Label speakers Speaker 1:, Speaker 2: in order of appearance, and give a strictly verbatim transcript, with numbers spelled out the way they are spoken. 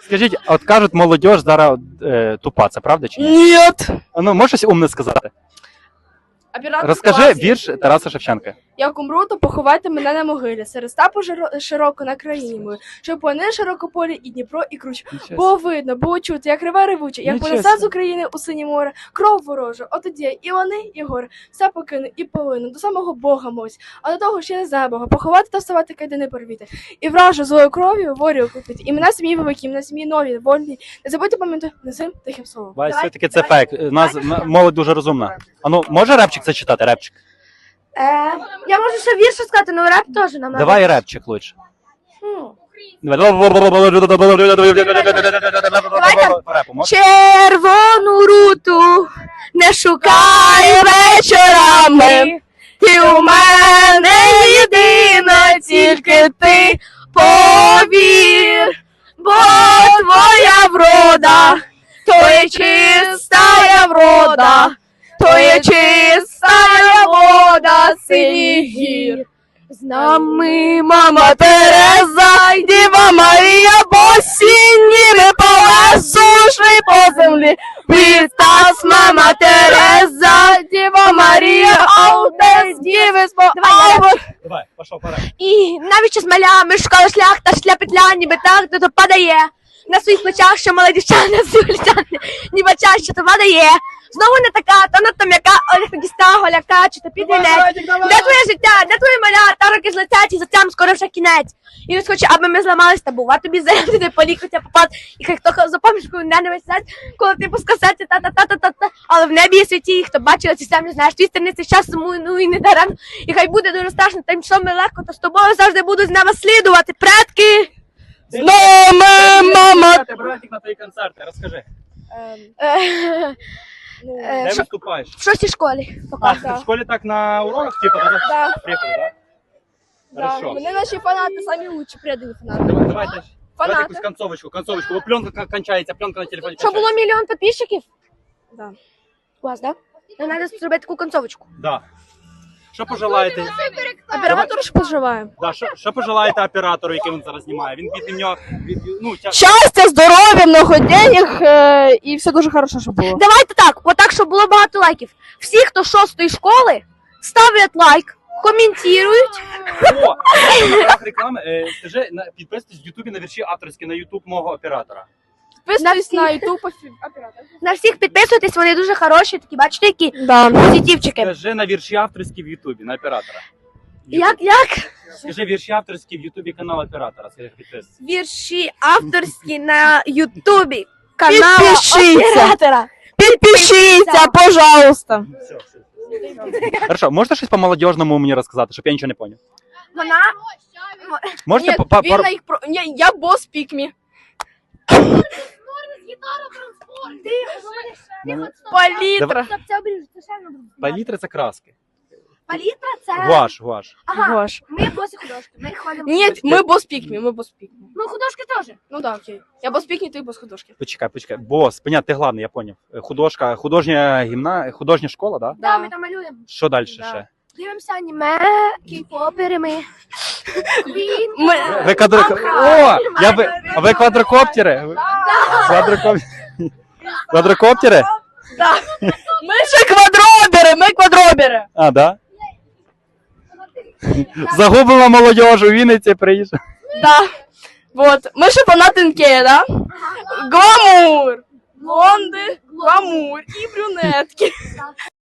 Speaker 1: Скажіть, от кажуть, молодь зараз е, тупа, це правда чи ні?
Speaker 2: Нет.
Speaker 1: А ну, можеш щось умне сказати?
Speaker 2: Оператор
Speaker 1: Розкажи
Speaker 2: класний.
Speaker 1: вірш Тараса Шевченка.
Speaker 2: Як умру, то поховайте мене на могилі, серед степу жиро- широко на країні мою, щоб вони широкополі і Дніпро, і Круч. Було видно, було чути, як реве ревуче, як
Speaker 1: Нічого
Speaker 2: понесе з
Speaker 1: собі.
Speaker 2: України у синє море, кров ворожу, отоді і вони, і гори, все покину і полину, до самого Бога мось, а до того ще не знає Бога, поховати та вставати кайдани порвіти, і вражу злою кров'ю ворію купити, і мене сім'ї великі, мене сім'ї нові, вольні, не забудьте пам'ятати незим тихим словом.
Speaker 1: Бай, все-таки це фейк. У нас м- молодь дуже розумна. А ну, може репчик це читати, репчик?
Speaker 3: Е, я можу ще вірш сказати, але реп теж нам надо.
Speaker 1: Давай репчик лучше. Репу можеш?
Speaker 3: Червону руту не шукай вечорами. Ти у мене єдина, тільки ти повір, бо твоя врода, то є чистая врода, то є чистая вода синіх гір. З нами мама Тереза, й Діва Марія, босініми по лесу йшли по землі. Вітас, мама Тереза, Діва Марія, аудес, діви спо...
Speaker 1: Давай, пішов, пора.
Speaker 3: І навіщо з малями шукала шлях, та шля петля, ніби так, то то падає. На своїх плечах, що мала дівчина, звілітяне, ніби час, що то падає. Знову не така, та надто м'яка, Олег Нагіста, голяка, чи то підвінець. Де твоє життя, де твої маля, та роки злетять, і за цим скоро вже кінець. І він хоче, аби ми зламались, та бува тобі заявити, полікотя попад. І хай хто запомніш, коли мене не висять, коли ти по скасеті, та-та-та-та-та. Але в небі є святі, і хто бачив, ці самі знаєш, твій стерниці час, ну і не дарем. І хай буде дуже страшно, та й що ми легко, то з тобою завжди буду з нами слідувати, предки.
Speaker 2: З нами, мама!
Speaker 1: Братик на твої концерти, розкажи.
Speaker 3: Е,
Speaker 1: Де
Speaker 3: що-
Speaker 1: виступаєш?
Speaker 3: В шостій школі.
Speaker 1: А, ти в школі так на уроках, типу, да?
Speaker 2: Да.
Speaker 1: Приїхали, так?
Speaker 2: Да.
Speaker 1: Хорошо.
Speaker 2: Вони наші фанати, самі лучші, предані фанати.
Speaker 1: Давай, давайте. Давайте
Speaker 2: Фанати.
Speaker 1: якусь концовочку, концовочку, бо пленка кон- кончається, пленка на телефоні
Speaker 3: Що було
Speaker 1: кончається.
Speaker 3: мільйон підписчиків?
Speaker 2: Да.
Speaker 3: У вас, так? Да? Нам треба зробити таку концовочку.
Speaker 1: Да. Що пожелаєте?
Speaker 2: Оператор ж поживає.
Speaker 1: Да, що, що пожелаєте оператору, який він зараз знімає? Він від нього, від, ну, тя...
Speaker 2: Щастя, здоров'я, много денег е, і все дуже хорошо, щоб було.
Speaker 3: Давайте так, отак, щоб було багато лайків. Всі, хто з шостої школи, ставлять лайк, коментують.
Speaker 1: О, на правах реклами, е, скажи, на, підписуйтесь в Ютубі на вірші авторські на Ютуб мого оператора.
Speaker 2: Підписуйтесь
Speaker 3: На
Speaker 2: на
Speaker 3: всіх.
Speaker 2: YouTube оператор.
Speaker 3: На всіх підписуйтесь, вони дуже хороші, такі, бачите, які
Speaker 2: Да.
Speaker 3: позитивчики.
Speaker 1: Скажи на вірші авторські в Ютубі, на оператора.
Speaker 3: Як, як?
Speaker 1: Скажи вірші авторські в Ютубі канал оператора, скажи підписуйтесь.
Speaker 3: Вірші авторські на Ютубі. Канал
Speaker 2: Підпишіться.
Speaker 3: оператора.
Speaker 2: Підпишіться, пожалуйста.
Speaker 1: Все, все. Хорошо, можете щось по-молодіжному мені розказати, щоб я нічого не поняв?
Speaker 3: Вона
Speaker 1: Можете
Speaker 2: Ні,
Speaker 1: по- по-
Speaker 2: він
Speaker 1: пару-
Speaker 2: на їх про... Ні, я бос пікмі. Палітра.
Speaker 1: Палітри це краски.
Speaker 3: Палітра це...
Speaker 1: Гуаш, гуаш.
Speaker 3: Ага,
Speaker 2: Гош.
Speaker 3: ми босі художки, ми ходимо.
Speaker 2: Ні, ми бос пікмі, ми бос пікмі.
Speaker 3: Ну, художки теж.
Speaker 2: Ну да, окей. Я бос пікмі, ти бос художки.
Speaker 1: Почекай, почекай. Бос, понятно, ти главний, я поняв. Е, Художка, художня гімна, художня школа, да?
Speaker 3: Да, ми там малюємо.
Speaker 1: Що далі
Speaker 2: Да.
Speaker 1: ще?
Speaker 3: Дивимося аніме, кей-попери ми. Квін.
Speaker 2: Ми...
Speaker 1: Ви квадро... О, я ви... А ви квадрокоптери? Ви- Квадрокоп... Квадрокоптери?
Speaker 2: Ми ще квадробери, ми квадробери.
Speaker 1: А, да? Загубила молодежь у Вінниці, приїжджа.
Speaker 2: Да. Вот. Ми ще фанатинки, да? Гламур. Блонди, гламур і брюнетки.